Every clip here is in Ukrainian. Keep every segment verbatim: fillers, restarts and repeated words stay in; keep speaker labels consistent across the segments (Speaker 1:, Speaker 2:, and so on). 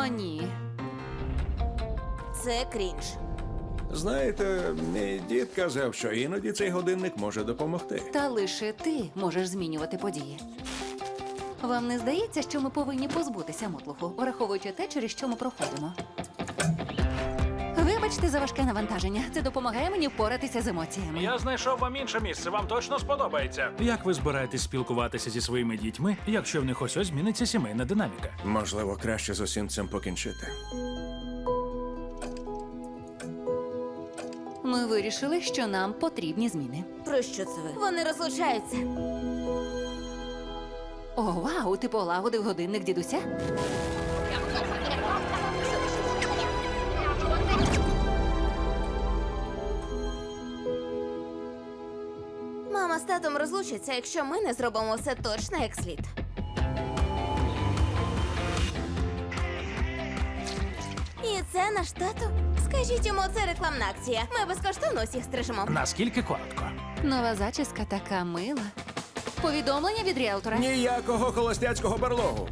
Speaker 1: О, ні.
Speaker 2: Це крінж.
Speaker 3: Знаєте, мій дід казав, що іноді цей годинник може допомогти.
Speaker 1: Та лише ти можеш змінювати події. Вам не здається, що ми повинні позбутися мотлуху, враховуючи те, через що ми проходимо? Вибачте за важке навантаження. Це допомагає мені впоратися з емоціями.
Speaker 4: Я знайшов вам інше місце, вам точно сподобається. Як ви збираєтесь спілкуватися зі своїми дітьми, якщо в них ось ось зміниться сімейна динаміка?
Speaker 3: Можливо, краще з усім цим покінчити.
Speaker 1: Ми вирішили, що нам потрібні зміни.
Speaker 2: Про що це ви? Вони розлучаються.
Speaker 1: О, вау, ти полагодив годинник дідуся?
Speaker 2: Мама з татом розлучаться, якщо ми не зробимо все точно як слід. І це наш тато? Скажіть йому, це рекламна акція. Ми безкоштовно усіх стрижемо.
Speaker 4: Наскільки коротко?
Speaker 1: Нова зачіска така мила. Повідомлення від ріелтора.
Speaker 3: Ніякого холостяцького барлогу.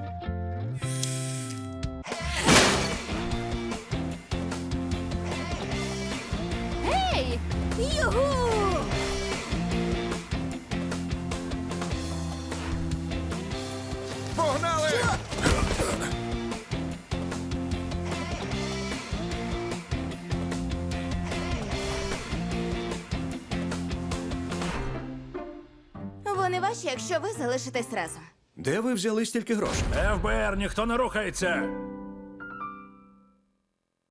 Speaker 1: Ей!
Speaker 2: Югу!
Speaker 3: Погнали!
Speaker 2: Вони ваші, якщо ви залишитесь разом.
Speaker 3: Де ви взяли стільки грошей?
Speaker 4: еф бе ер, ніхто не рухається.